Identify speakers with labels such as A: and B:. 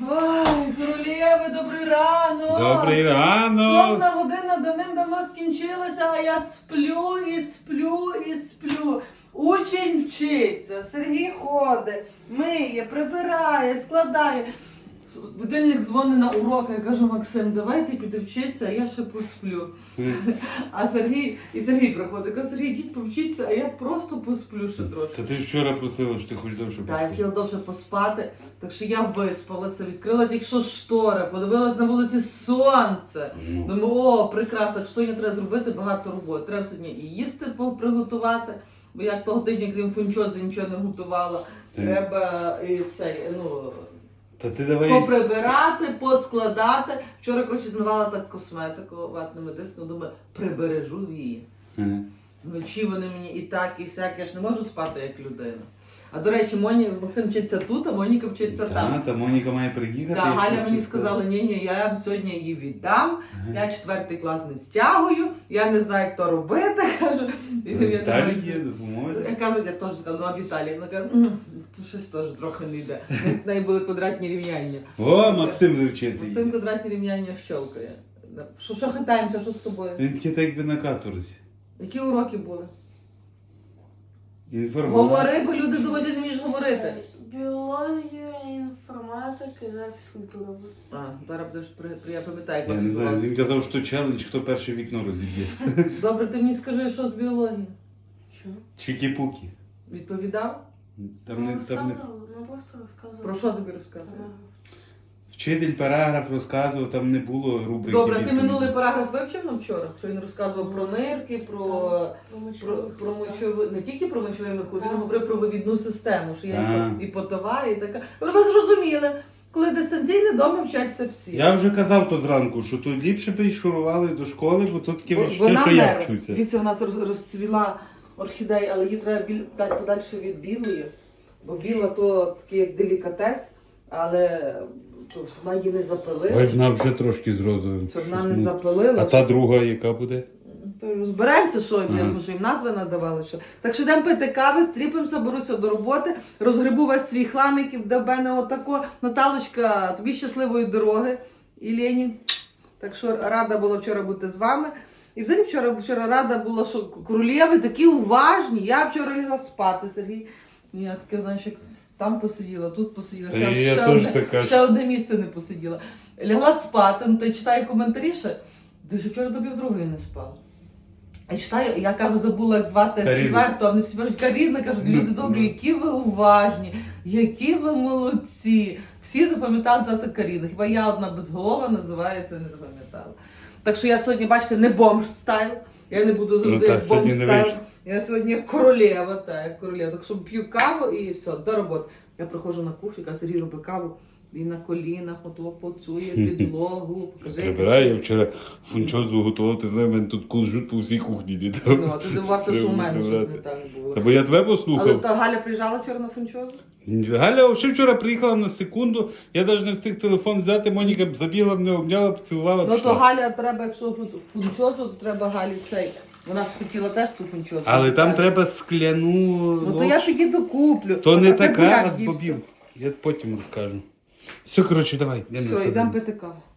A: Ой, королєви, добрий ранок!
B: Добрий ранок!
A: Сонна година давним-давно скінчилася, а я сплю і сплю і сплю. Учень вчиться, Сергій ходить, миє, прибирає, складає. Будильник дзвонить на урок, я кажу: Максим, давай ти піди вчися, а я ще посплю. А Сергій приходить, каже: Сергій, йдіть повчіться, а я просто посплю ще трошки.
B: Та ти вчора просила, що ти хочеш довше
A: Так,
B: поспати.
A: я хотіла довше поспати, так що я виспалася, відкрила тільки що штори, подивилась на вулиці сонце. Думаю, о, прекрасно, так що сьогодні треба зробити багато роботи. Треба сьогодні і їсти приготувати, бо я того тижня, крім фунчози, нічого не готувала. Треба і цей,
B: Та ти давай...
A: поприбирати, поскладати. Вчора, коротше, змивала так косметику ватними дисками, думаю, прибережу її. Вночі вони мені і так, і сяк, я ж не можу спати як людина. А до речі, Максим вчиться тут, а Моніка вчиться там.
B: Та Моніка має приїхати.
A: Так, Галя мені сказала: ні, я сьогодні її віддам, я 4 клас не стягую, я не знаю, як то робити. Кажу,
B: Віталій є, допоможе.
A: Я кажу, я теж сказала: ну а Віталій, вона каже: то щось теж трохи не йде. В неї були квадратні рівняння.
B: О, Максим завчити.
A: Максим квадратні рівняння щелкає. Що хитаємося, що з тобою?
B: Він такий так якби на каторзі.
A: Які уроки були?
B: Інформація.
A: Говори, бо люди думають, ти не вмієш говорити.
C: Біологія, інформатика і зараз фізкультура буде.
A: Зараз будеш я пам'ятаю,
B: Я
A: як
B: не знаю,
A: вас.
B: він казав, що челендж, хто перше вікно розіб'є.
A: Добре, ти мені скажи, що з біології?
C: Що?
B: Чікі-пукі.
A: Відповідав?
B: Там не...
C: Просто розказував.
A: Про що тобі розказував?
B: Вчитель параграф розказував, там не було рубрики.
A: Добре, ти
B: відповіді.
A: минулий параграф вивчив на вчора? Що він розказував про нирки, про мочову, не тільки про мочовий мехур, він говорив про вивідну систему, що є і потова, і така. Ви зрозуміли, коли дистанційне дома вчаться всі.
B: Я вже казав то зранку, що тут ліпше б шурували до школи, бо тут таке відчуття,
A: Вона
B: що я вчуся.
A: Дивіться, у нас розцвіла орхідея, але її треба дати подальше від білої, бо біла то такий як делікатес, але щоб вона її не запилила.
B: Ой, вона вже трошки з розовим.
A: Щоб вона не запилила.
B: А та друга яка буде?
A: То розберемося, що їм, що їм назви надавали. Що. Так що йдемо пити кави, стріпимося, беруся до роботи, розгребу весь свій хлам, який в мене отако. Наталочка, тобі щасливої дороги, і Лені. Так що рада була вчора бути з вами. І взагалі вчора рада була, що королєви такі уважні. Я вчора лягла спати, Сергій. Я таке, знаєш, як там посиділа, тут посиділа, ще одне місце не посиділа. Лягла спати, та й читаю коментарі ще. Вчора до півдругої не спала. Я читаю, я кажу, забула, як звати четверту, а вони всі кажуть: Каріна, кажуть, люди добрі, які ви уважні, які ви молодці. Всі запам'ятали звати Каріна. Хіба я одна безголова називається, не запам'ятала. Так що я сьогодні, бачите, не бомж стайл, я не буду завжди як бомж стайл. Я сьогодні королева, так що п'ю каву і все, до роботи. Я приходжу на кухню, кажу: Сергій, роби каву. Він на колінах, поцує підлогу, покажи.
B: Прибираю, я вчора фунчозу готував, ти знаєш, мене тут кулжут по всій кухні літав.
A: Ну, ти дивувався, що у мене щось не так було.
B: Та бо я тебе послухав.
A: Але та Галя приїжджала вчора на фунчозу?
B: Галя ще вчора приїхала на секунду, я навіть не встиг телефон взяти, Моніка забігла, мене обняла, поцілувала,
A: Ну
B: пішла.
A: то Галя треба, якщо фунчозу, то треба Галі цей. Вона схотіла теж ту фунчозу.
B: Але там треба скляну...
A: Ну то я піду куплю.
B: То не
A: Отаке
B: така,
A: буряк
B: а з
A: і
B: бобів. Я потім розкажу. Все, коротше, давай.
A: Все, йдемо пити каву.